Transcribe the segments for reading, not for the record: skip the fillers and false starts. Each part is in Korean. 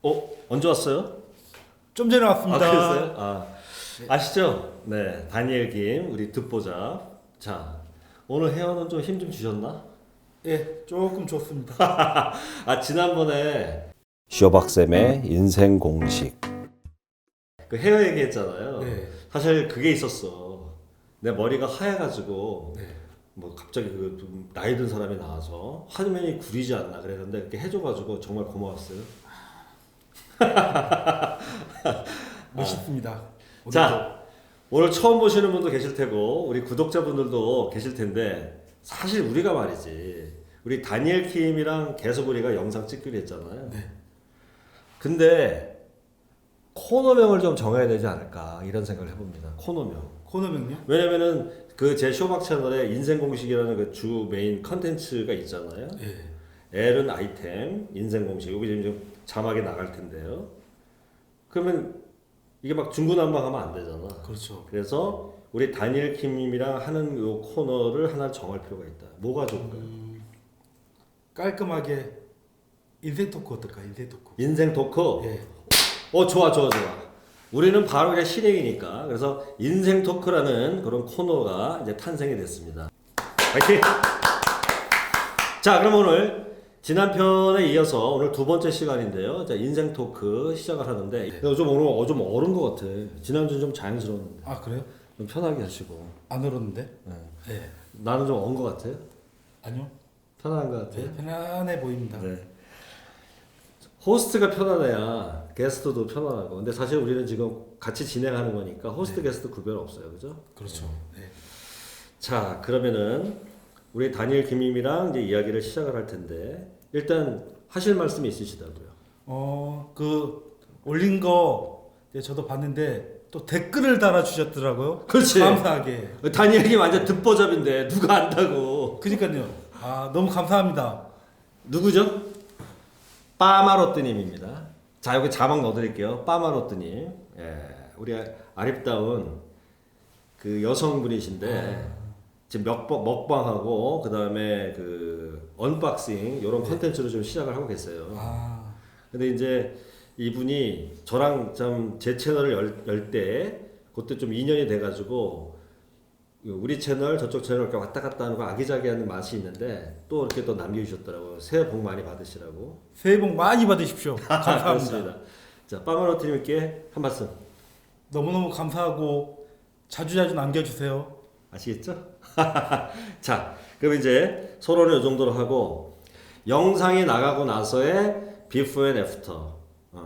언제 왔어요? 좀 전에 왔습니다. 그랬어요? 아시죠? 네, 다니엘 김 우리 듣보자. 자, 오늘 헤어는 좀 힘 좀 주셨나? 예, 조금 좋습니다. 지난번에 쇼박쌤의 인생 공식. 그 헤어 얘기했잖아요. 네. 사실 그게 있었어. 내 머리가 하얘가지고 네. 뭐 갑자기 좀 나이 든 사람이 나와서 화면이 구리지 않나 그랬는데 이렇게 해줘가지고 정말 고마웠어요. 멋있습니다. 자, 오늘 처음 보시는 분도 계실 테고 우리 구독자분들도 계실 텐데 사실 우리가 말이지 우리 다니엘 킴이랑 계속 우리가 영상 찍기로 했잖아요. 네. 근데 코너명을 좀 정해야 되지 않을까 이런 생각을 해봅니다. 코너명요? 왜냐면은 그 제 쇼박 채널에 인생 공식이라는 그 주 메인 컨텐츠가 있잖아요. 예. L은 아이템, 인생 공식. 여기 지금 자막에 나갈 텐데요. 그러면 이게 막 중구난방하면 안 되잖아. 그렇죠. 그래서 우리 다니엘 킴님이랑 하는 요 코너를 하나 정할 필요가 있다. 뭐가 좋을까요? 깔끔하게 인생 토크 어떨까? 인생 토크. 인생 토크. 예. 좋아. 우리는 바로 그냥 실행이니까. 그래서 인생 토크라는 그런 코너가 이제 탄생이 됐습니다. 파이팅! 자, 그럼 오늘 지난 편에 이어서 오늘 두 번째 시간인데요. 자, 인생 토크 시작을 하는데 네. 좀 오늘 좀 어른 것 같아. 지난주는 좀 자연스러웠는데. 아 그래요? 좀 편하게 하시고. 안 얼었는데? 네. 예. 나는 좀 언 것 같아요. 아니요. 편안한 것 같아요. 네, 편안해 보입니다. 네. 호스트가 편안해야 게스트도 편안하고. 근데 사실 우리는 지금 같이 진행하는 거니까 호스트 게스트 구별 없어요. 그죠? 그렇죠. 네. 자, 그러면은 우리 다니엘 김님이랑 이제 이야기를 시작을 할 텐데 일단 하실 말씀이 있으시다고요. 그 올린 거 이제 저도 봤는데 또 댓글을 달아 주셨더라고요. 그렇지. 감사하게. 다니엘 김 완전 듣보잡인데 누가 안다고. 그러니까요. 너무 감사합니다. 누구죠? 빠마로뜨님입니다. 자, 여기 자막 넣어드릴게요. 빠마로뜨님. 예, 우리 아립다운 그 여성분이신데 지금 먹방하고 그 다음에 그 언박싱 이런 컨텐츠로 좀 시작을 하고 계세요. 근데 이제 이분이 저랑 좀 제 채널을 열 때 그때 좀 인연이 돼가지고 우리 채널 저쪽 채널 이렇게 왔다 갔다 하는 거 아기자기한 맛이 있는데 또 이렇게 또 남겨주셨더라고요. 새해 복 많이 받으시라고. 새해 복 많이 받으십시오. 감사합니다. 그렇습니다. 자, 빠마로트님께 한 말씀 너무너무 감사하고 자주자주 남겨주세요. 아시겠죠? 자, 그럼 이제 서로는 이 정도로 하고 영상이 나가고 나서의 비포 앤 애프터.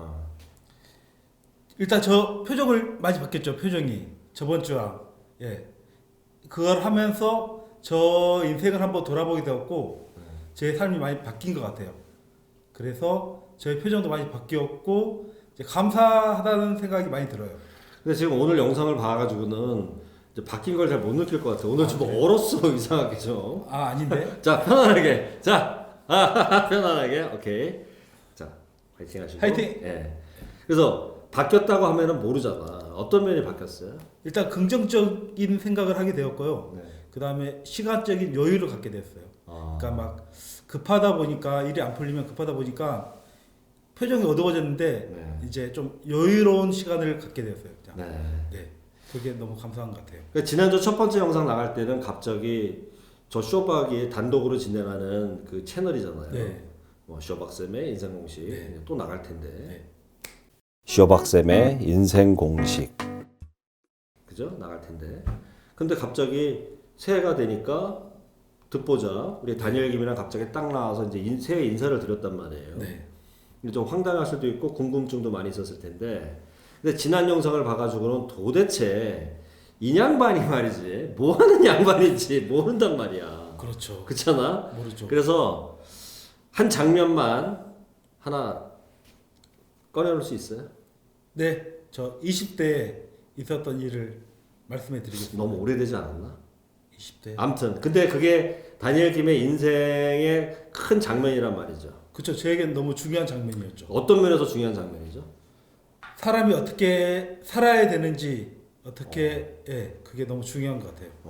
일단 저 표정을 많이 바뀌었죠. 표정이 저번 주랑 그걸 하면서 저 인생을 한번 돌아보게 되었고 제 삶이 많이 바뀐 것 같아요. 그래서 저의 표정도 많이 바뀌었고 이제 감사하다는 생각이 많이 들어요. 근데 지금 오늘 영상을 봐가지고는 이제 바뀐 걸 잘 못 느낄 것 같아. 오늘 좀 그래? 얼었어 이상하게 좀. 아닌데? 자, 편안하게. 자, 편안하게. 오케이. 자, 파이팅 하시고. 파이팅! 예. 그래서 바뀌었다고 하면은 모르잖아. 어떤 면이 바뀌었어요? 일단 긍정적인 생각을 하게 되었고요. 네. 그 다음에 시간적인 여유를 갖게 됐어요. 아. 그러니까 막 급하다 보니까 일이 안 풀리면 급하다 보니까 표정이 어두워졌는데 네. 이제 좀 여유로운 시간을 갖게 되었어요. 그냥. 네. 네, 그게 너무 감사한 것 같아요. 그러니까 지난주 첫 번째 영상 나갈 때는 갑자기 저 쇼박이 단독으로 진행하는 그 채널이잖아요. 네. 뭐 쇼박쌤의 인생 공식 네. 또 나갈 텐데. 네. 쇼박쌤의 인생 공식. 그죠? 나갈 텐데. 근데 갑자기 새해가 되니까 듣보자 우리 다니엘 김이랑 갑자기 딱 나와서 이제 새해 인사를 드렸단 말이에요. 네. 근데 좀 황당할 수도 있고 궁금증도 많이 있었을 텐데. 근데 지난 영상을 봐가지고는 도대체 이 양반이 말이지 뭐 하는 양반인지 모른단 말이야. 그렇죠. 그렇잖아? 모르죠. 그래서 한 장면만 하나 꺼내놓을 수 있어요? 네, 저 20대에 있었던 일을 말씀해 드리겠습니다. 너무 오래되지 않았나? 20대. 아무튼 근데 그게 다니엘 김의 인생의 큰 장면이란 말이죠. 그렇죠. 저에겐 너무 중요한 장면이었죠. 어떤 면에서 중요한 장면이죠? 사람이 어떻게 살아야 되는지 어떻게 그게 너무 중요한 것 같아요.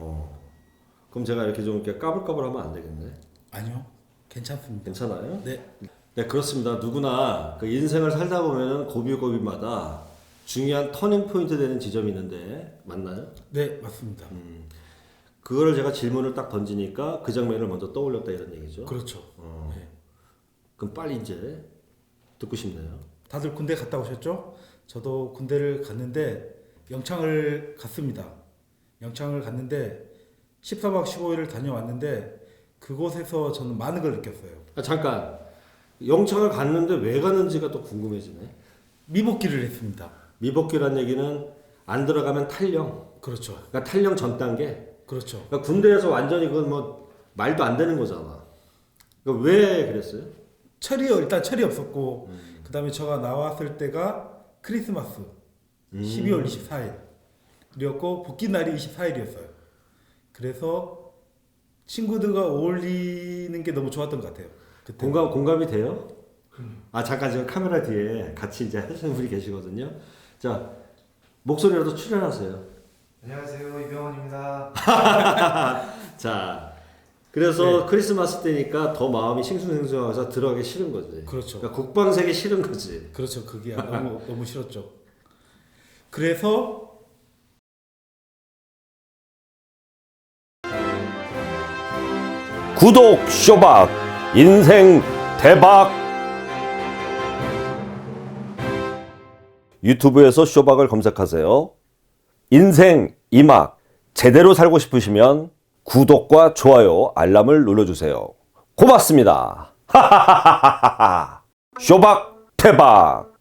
그럼 제가 이렇게 좀 이렇게 까불까불하면 안 되겠네. 아니요, 괜찮습니다. 괜찮아요? 네. 네, 그렇습니다. 누구나 그 인생을 살다 보면은 고비고비마다 중요한 터닝 포인트 되는 지점이 있는데 맞나요? 네, 맞습니다. 그거를 제가 질문을 딱 던지니까 그 장면을 먼저 떠올렸다 이런 얘기죠. 그렇죠. 네. 그럼 빨리 이제 듣고 싶네요. 다들 군대 갔다 오셨죠? 저도 군대를 갔는데 영창을 갔습니다. 영창을 갔는데 14박 15일을 다녀왔는데 그곳에서 저는 많은 걸 느꼈어요. 아, 잠깐 영창을 갔는데 왜 갔는지가 또 궁금해지네. 미복귀를 했습니다. 미복귀란 얘기는 안 들어가면 탈영. 그렇죠. 그러니까 탈영 전 단계. 그렇죠. 그러니까 군대에서 완전히 그건 뭐 말도 안 되는 거잖아. 그러니까 왜 그랬어요? 일단 철이 없었고 그다음에 제가 나왔을 때가 크리스마스 12월 24일이었고 복귀 날이 24일이었어요. 그래서 친구들과 어울리는 게 너무 좋았던 것 같아요. 그때. 공감이 돼요? 아 잠깐 지금 카메라 뒤에 같이 이제 하시는 분이 계시거든요. 자 목소리라도 출연하세요. 안녕하세요, 이병헌입니다. 자 그래서 크리스마스 때니까 더 마음이 싱숭생숭해서 들어가기 싫은 거지. 그렇죠. 그러니까 국방색이 싫은 거지. 그렇죠. 그게 너무 싫었죠. 그래서 구독 쇼박 인생 대박. 유튜브에서 쇼박을 검색하세요. 인생 이막 제대로 살고 싶으시면 구독과 좋아요, 알람을 눌러주세요. 고맙습니다. 쇼박 대박.